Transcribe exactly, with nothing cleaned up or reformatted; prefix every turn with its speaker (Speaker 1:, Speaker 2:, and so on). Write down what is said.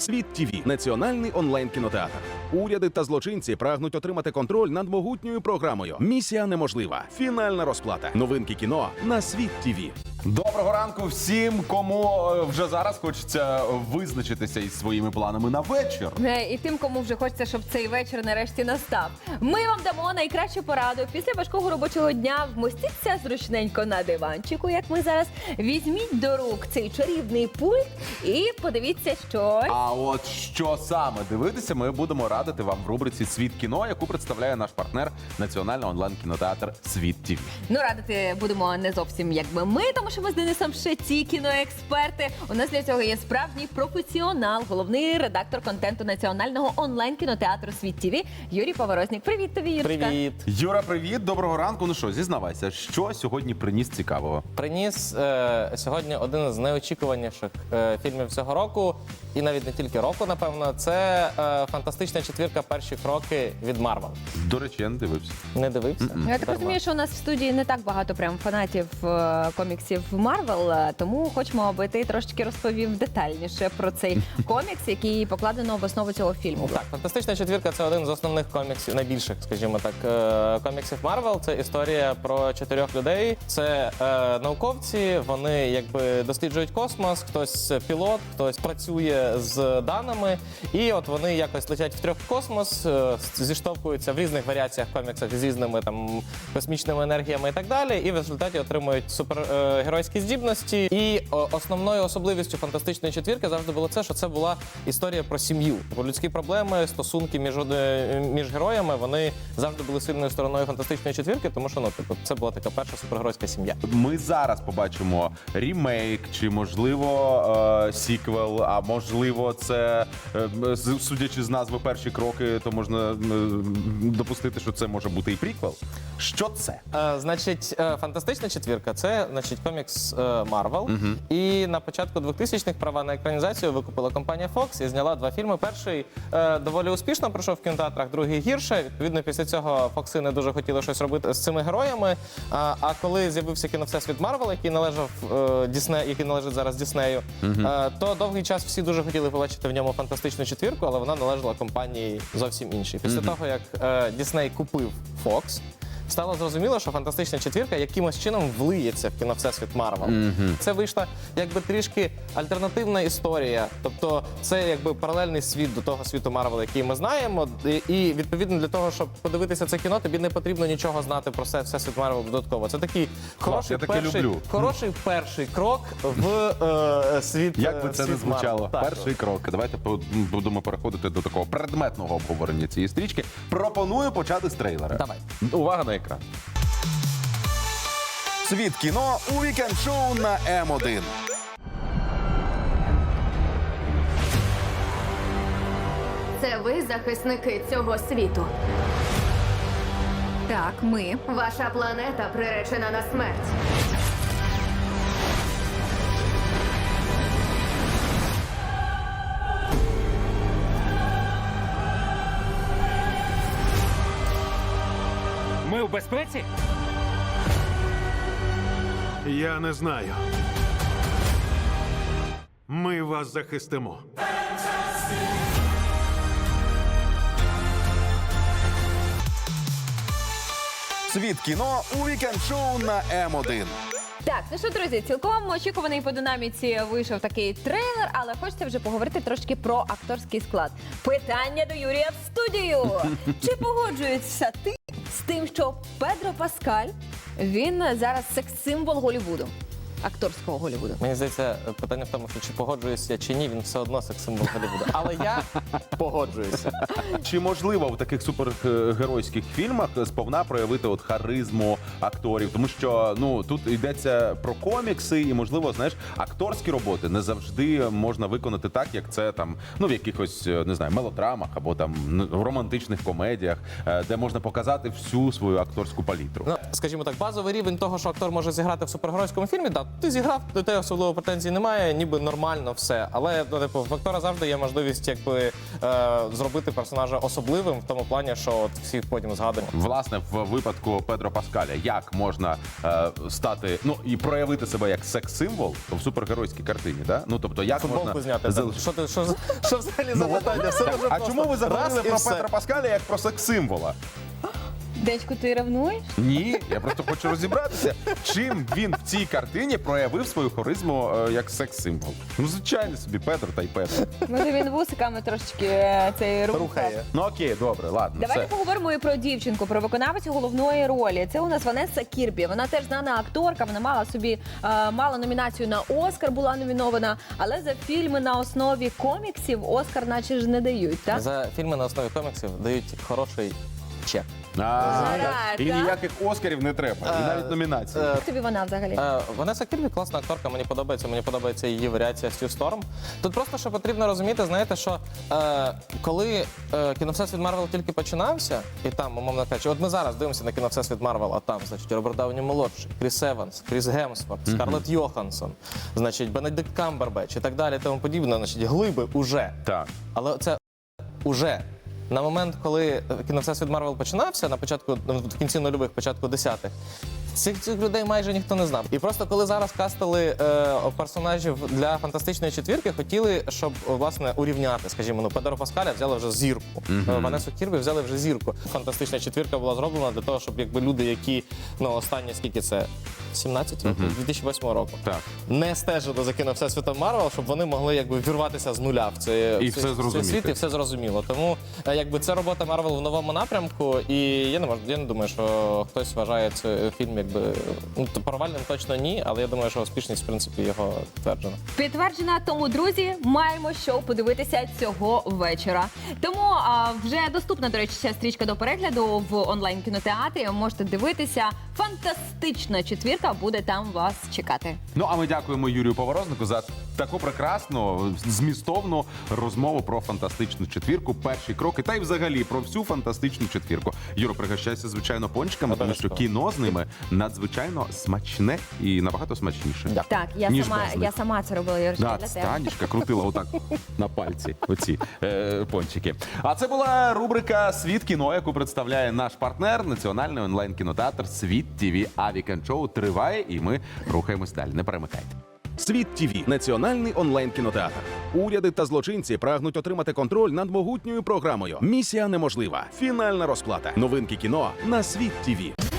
Speaker 1: Світ ТІВІ – національний онлайн-кінотеатр. Уряди та злочинці прагнуть отримати контроль над могутньою програмою. Місія неможлива. Фінальна розплата. Новинки кіно на Світ ТІВІ.
Speaker 2: Доброго ранку всім, кому е, вже зараз хочеться визначитися із своїми планами на вечір.
Speaker 3: Е, І тим, кому вже хочеться, щоб цей вечір нарешті настав. Ми вам дамо найкращу пораду. Після важкого робочого дня вмостіться зручненько на диванчику, як ми зараз. Візьміть до рук цей чарівний пульт і подивіться щось.
Speaker 2: А от що саме дивитися, ми будемо радити вам в рубриці «Світ кіно», яку представляє наш партнер національний онлайн-кінотеатр «Світ ТІВІ».
Speaker 3: Ну, радити будемо не зовсім якби ми, тому що ми з Денисом ще ті кіноексперти. У нас для цього є справжній професіонал, головний редактор контенту національного онлайн-кінотеатру «Світ ТІВІ» Юрій Поворознік. Привіт тобі, Юрочка.
Speaker 4: Привіт.
Speaker 2: Юра, привіт, доброго ранку. Ну що, зізнавайся, що сьогодні приніс цікавого?
Speaker 4: Приніс е, сьогодні один з найочікуваніших е, фільмів цього року, і навіть не тільки року, напевно, це е, фантастична четвірка «Перші кроки» від Марвел.
Speaker 2: До речі, я не дивився.
Speaker 4: Не дивився?
Speaker 2: Mm-mm.
Speaker 3: Я так розумію, що у нас в студії не так багато прям фанатів е, коміксів Марвел, е, тому хочемо, аби ти трошки розповів детальніше про цей комікс, який покладено в основу цього фільму.
Speaker 4: Так, «Фантастична четвірка» – це один з основних коміксів, найбільших, скажімо так, е, коміксів Марвел. Це історія про чотирьох людей. Це е, науковці, вони якби досліджують космос, хтось пілот, хтось працює з даними, і от вони якось летять втрьох в космос, е, зіштовхуються в різних варіаціях коміксах з різними там космічними енергіями і так далі, і в результаті отримують супергеройські здібності. І о, основною особливістю «Фантастичної четвірки» завжди було це, що це була історія про сім'ю. Про людські проблеми, стосунки між, між героями, вони завжди були сильною стороною «Фантастичної четвірки», тому що ну, типу, це була така перша супергеройська сім'я.
Speaker 2: Ми зараз побачимо рімейк, чи, можливо, е, сіквел, а можливо, це, е, з- судячи з назви «Перші кроки», то можна е, допустити, що це може бути і приквел. Що це?
Speaker 4: Е, значить, е, «Фантастична четвірка» – це, значить, комікс Марвел. І на початку двохтисячних права на екранізацію викупила компанія Fox і зняла два фільми. Перший е, доволі успішно пройшов в кінотеатрах, другий гірше. Відповідно, після цього Фокси не дуже хотіли щось робити з цими героями. А, а коли з'явився кіновсесвіт Марвел, який належав е, Дісне, який належить зараз Діснею, е, то довгий час всі дуже хотіли побачити в ньому «Фантастичну четвірку», але вона належала компанії зовсім іншій. Після того, як е, Дісней купив Fox, стало зрозуміло, що «Фантастична четвірка» якимось чином влиється в кіновсесвіт Марвел. Mm-hmm. Це вийшла якби трішки альтернативна історія. Тобто це якби паралельний світ до того світу Марвел, який ми знаємо. І, і відповідно для того, щоб подивитися це кіно, тобі не потрібно нічого знати про все, всесвіт Марвел додатково. Це такий хороший,
Speaker 2: я таке
Speaker 4: перший,
Speaker 2: люблю.
Speaker 4: хороший перший крок в е, світ
Speaker 2: Як би
Speaker 4: е,
Speaker 2: це не
Speaker 4: світ
Speaker 2: звучало?
Speaker 4: Марвел. Так.
Speaker 2: Перший крок. Давайте по- будемо переходити до такого предметного обговорення цієї стрічки. Пропоную почати з трейлера.
Speaker 4: Давай.
Speaker 2: Увага на екран.
Speaker 1: Світ кіно у вікенд-шоу на Ем один.
Speaker 5: Це ви захисники цього світу.
Speaker 6: Так, ми.
Speaker 5: Ваша планета приречена на смерть.
Speaker 7: Ми в безпеці?
Speaker 8: Я не знаю. Ми вас захистимо.
Speaker 1: Світ кіно у вікенд-шоу на Ем один.
Speaker 3: Так, ну що, друзі, цілком очікуваний по динаміці вийшов такий трейлер, але хочеться вже поговорити трошки про акторський склад. Питання до Юрія в студію. Чи погоджуєшся ти з тим, що Педро Паскаль, він зараз секс-символ Голлівуду? Акторського Голлівуду.
Speaker 4: Мені здається, питання в тому, що чи погоджуюся чи ні, він все одно секс-символ Голлівуду. Але я погоджуюся.
Speaker 2: Чи можливо в таких супергеройських фільмах сповна проявити от харизму акторів? Тому що ну тут йдеться про комікси, і можливо, знаєш, акторські роботи не завжди можна виконати так, як це там ну в якихось не знаю мелодрамах або там в романтичних комедіях, де можна показати всю свою акторську палітру.
Speaker 4: Ну, скажімо так, базовий рівень того, що актор може зіграти в супергеройському фільмі, да, ти зіграв, до тебе особливо претензій немає, ніби нормально все. Але ну, типу, в актора завжди є можливість якби, е, зробити персонажа особливим в тому плані, що от всі потім згадуємо.
Speaker 2: Власне, в випадку Педро Паскаля, як можна е, стати, ну і проявити себе як секс-символ в супергеройській картині, да? Ну тобто, як
Speaker 4: Футболку
Speaker 2: можна
Speaker 4: зняти.
Speaker 2: зал-
Speaker 4: там. Що, ти, що, за- що взагалі за питання? Все дуже
Speaker 2: А
Speaker 4: просто.
Speaker 2: чому ви заговорили
Speaker 4: Раз і
Speaker 2: про
Speaker 4: все.
Speaker 2: Петра Паскаля як про секс-символа?
Speaker 3: Дечку, ти ревнуєш?
Speaker 2: Ні, я просто хочу розібратися, чим він в цій картині проявив свою харизму е, як секс-символ. Ну, звичайно собі, Петро та й Петро.
Speaker 3: Може він вусиками трошечки е, цей рух.
Speaker 4: Рухає.
Speaker 2: Ну окей, добре, ладно.
Speaker 3: Давайте
Speaker 2: все.
Speaker 3: поговоримо і про дівчинку, про виконавицю головної ролі. Це у нас Ванесса Кірбі. Вона теж знана акторка. Вона мала собі е, мала номінацію на Оскар, була номінована. Але за фільми на основі коміксів Оскар, наче ж не дають. Так
Speaker 4: За фільми на основі коміксів дають хороший чек.
Speaker 2: А,
Speaker 3: Жара,
Speaker 2: і
Speaker 3: так?
Speaker 2: ніяких Оскарів не треба, і навіть номінації.
Speaker 4: е,
Speaker 3: як тобі вона взагалі?
Speaker 4: Е, Ванесса Кірбі класна акторка, мені подобається. Мені подобається її варіація Стю Сторм. Тут просто що потрібно розуміти, знаєте, що е, коли е, кіновсесвіт Марвел тільки починався, і там, умовно кажучи, от ми зараз дивимося на кіновсесвіт Марвел, а там, значить, Роберт Дауні молодший, Кріс Еванс, Кріс Гемсворт, Скарлетт Йоханссон, значить, Бенедикт Камбербетч і так далі, і тому подібне, значить, глиби уже.
Speaker 2: Так.
Speaker 4: Але це уже. На момент, коли кіновсесвіт Марвел починався, на початку, в кінці нульових, початку десятих, цих, цих людей майже ніхто не знав. І просто коли зараз кастили е, персонажів для фантастичної четвірки, хотіли, щоб власне урівняти, скажімо, ну Педро Паскаля взяли вже зірку. Mm-hmm. Ванесу Кірбі взяли вже зірку. Фантастична четвірка була зроблена для того, щоб якби люди, які ну останні скільки це сімнадцять років, дві тисячі восьмого року,
Speaker 2: Так.
Speaker 4: не стежили за кіновсесвітом Марвел, щоб вони могли якби вірватися з нуля в цей,
Speaker 2: І
Speaker 4: в цей,
Speaker 2: все
Speaker 4: в цей
Speaker 2: зрозуміти.
Speaker 4: світ, і все зрозуміло. Тому е, якби це робота Марвел в новому напрямку, і я не можу, я не думаю, що хтось вважає цей фільм якби ну то провальним точно ні, але я думаю, що успішність в принципі його підтверджена.
Speaker 3: Підтверджена, тому, друзі, маємо що подивитися цього вечора. Тому а, вже доступна, до речі, ця стрічка до перегляду в онлайн-кінотеатрі. Можете дивитися. Фантастична четвірка буде там вас чекати.
Speaker 2: Ну, а ми дякуємо Юрію Поворознику за таку прекрасну, змістовну розмову про фантастичну четвірку, перші кроки, та й взагалі про всю фантастичну четвірку. Юро, пригощайся, звичайно, пончиками, тому що кіно з ними надзвичайно смачне і набагато смачніше.
Speaker 3: Так, я
Speaker 2: Ніж
Speaker 3: сама,
Speaker 2: без них.
Speaker 3: я сама це робила, Юрочка,
Speaker 2: Да,
Speaker 3: для тебе.
Speaker 2: Станічка крутила отак на пальці оці е, пончики. А це була рубрика «Світ кіно», яку представляє наш партнер, національний онлайн-кінотеатр «Світ ТІВІ». А вікенд-шоу триває, і ми рухаємось далі. Не перемикайте.
Speaker 1: Світ ТІВІ – національний онлайн-кінотеатр. Уряди та злочинці прагнуть отримати контроль над могутньою програмою. Місія неможлива. Фінальна розплата. Новинки кіно на Світ ТІВІ.